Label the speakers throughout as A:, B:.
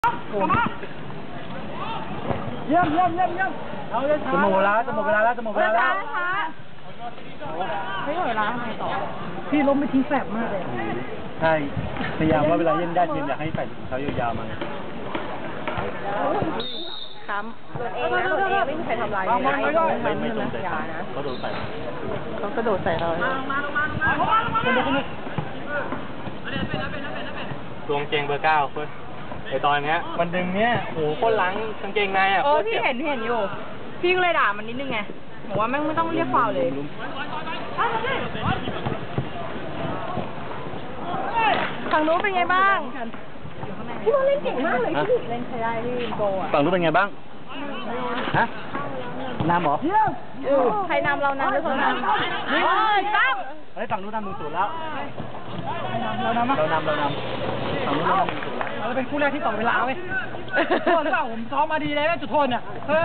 A: เยี่ยมเอาเลยจะหมดเวลาแล้วไม่หมดเวลาทำไมต่อพี่ล้มไปทิ้งแสบมากเลยใช่พยายามว่าเวลาเล่นได้ทีมอยากให้ใส่ถุงเท้ายาวๆมา
B: ค้ำโดนเองนะโดนเองไม่มีใครทำร้ายเลย
A: ไม่โดนใส่เขาโดนใส่
B: เขากระโดดใส่เรา
C: ตัวกางเกงเบอร์ 9เพื่อนไอตอนเนี้ยมันดึงเนี้ยโอ้โหโคตรล้างกางเกงในอ่ะ
B: พี่เห็นอยู่พี่ก็เลยด่ามันนิดนึงไงบอกว่าแม่งไม่ต้องเรียกฟาวเลยฝั่งนู้นเป็นไงบ้างพี่ว่าเล่นเก่งมากเลยพี่เล่นใช้ได้พี่โบอ่ะ
A: ฝั่งนู้นเป็นไงบ้างฮะนำหรอ
B: ใครนำเรานำหรือเขานำตั้ง
A: เฮ้ยฝั่งนู้นนำ1-0แล้วเรานำฝั่งนู้นนำ1-0แล้วเราเป็นคู่แรกที่ต่อเวลาเว้ยโทษเปล่าผมซ้อมมาดีเลยจุดโทษเนี่ย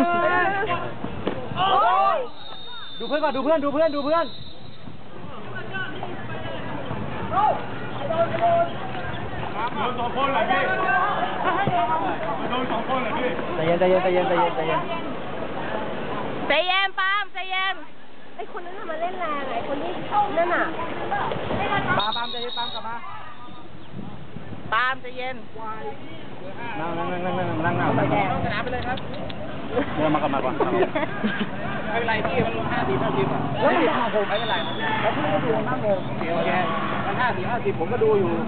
A: ดูเพื่อนก่อนดูเพื่อนโดน2 คนเลยพี่โดน2 คนเลยพี่ใจเย็น
B: ใจเย็นปามใจเย็นไอคนนั้นมาเล่นแรงไอคนที่นั่นน่ะ
A: ปามใจเย็นปามกลับมา
B: ปามใจเย็น
A: นั่งไปแดงชนะไปเลยครับเดี๋ยวมากลับมาก่อนไม่เป็นไรพี่มัน50อ่ะเฮ้ยผมไม่เป็นไรแล้วพี่ก็ดูนั่งโมโอเคมัน50ผมก็ดูอยู่